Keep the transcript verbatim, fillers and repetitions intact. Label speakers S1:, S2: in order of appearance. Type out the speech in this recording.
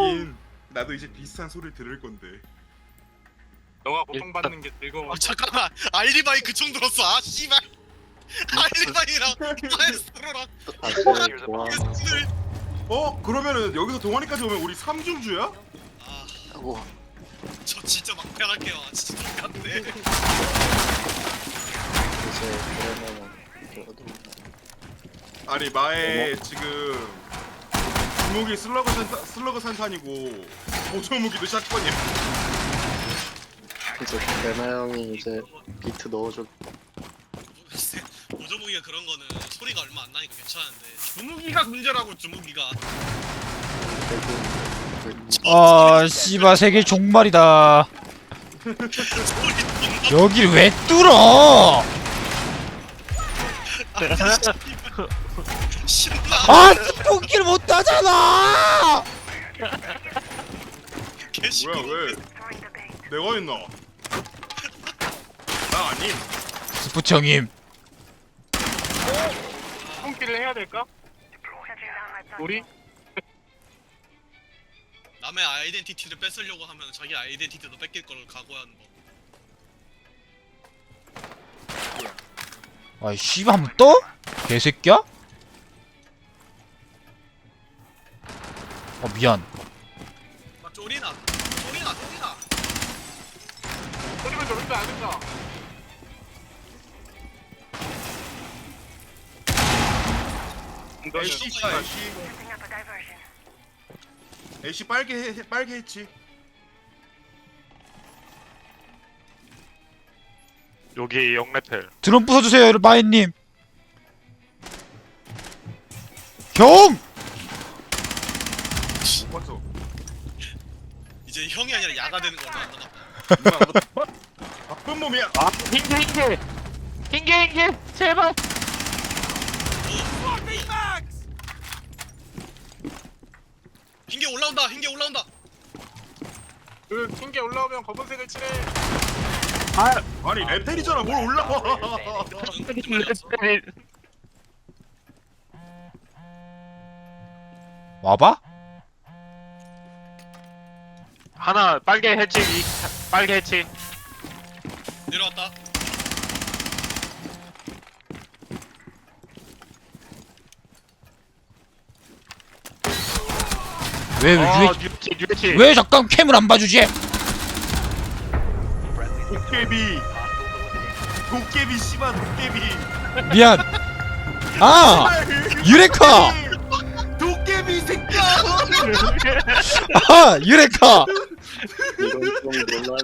S1: 하긴 나도 이제 비슷한 소리를 들을 건데.
S2: 너가 고통받는 게 즐거워.
S3: 아 잠깐만 알리바이 그총 들었어 아 씨발 알리바이랑 마에스트로랑
S4: 다시 좋아.
S3: 들
S1: 어? 그러면은 여기서 동아리까지 오면 우리 삼중주야?
S3: 아,
S4: 하고
S3: 저 진짜 막패할게요 아, 진짜 똑같네
S4: 이제 그러면은 저도
S1: 아니 마에 지금 주무기 슬러그 산타, 슬러그 산탄이고 보조 무기도 샷건이야.
S4: 이제 레나 형이 이제 비트 넣어줘.
S3: 글쎄 보조무기가 그런 거는 소리가 얼마 안 나니까 괜찮은데 주무기가 문제라고 주무기가
S5: 아 씨발 세계 종말이다.
S3: 소리
S5: 여길 왜 뚫어?
S3: 신나
S5: 아 뚫기를 못하잖아.
S3: 개시
S1: 뭐야 왜? 내가 했나? 나 아님.
S5: 스포츠 형님.
S2: 손길을 해야 될까? 우리?
S3: 남의 아이덴티티를 뺏으려고 하면 자기 아이덴티티도 뺏길 걸 각오하는 거.
S5: 아이 씨발 한번 떠? 개새끼야? 어 미안.
S3: 아 쪼리나, 쪼리나, 쪼리나.
S2: 소리면 저런데 안 된다.
S1: 애쉬 있다 애쉬. 애쉬 빨개 해, 빨개 했지.
S2: 여기 영레텔.
S5: 드론 부숴주세요 마인님. 형!
S1: 못 봤어.
S3: 이제 형이 아니라 야가 되는 거다.
S1: 누나 너 바쁜 몸이야.
S2: 아, 흰게 흰게. 흰게 흰게. 제발.
S3: 흰개 올라온다, 흰개 올라온다.
S2: 그 흰게 올라오면 검은색을 칠해.
S1: 아니 레텔이잖아 뭘 올라와.
S5: 와봐?
S2: 하나 빨개 해치. 이 빨개 해치.
S3: 내려왔다.
S5: 왜 왜
S2: 아,
S5: 왜,
S2: 뉴치 뉴치.
S5: 왜 잠깐 캠을 안 봐주지?
S1: 도깨비. 도깨비 씨발 도깨비.
S5: 미안. 아 유레카.
S1: 도깨비 새끼야.
S5: 아 유레카.
S4: 이건 좀 놀라지.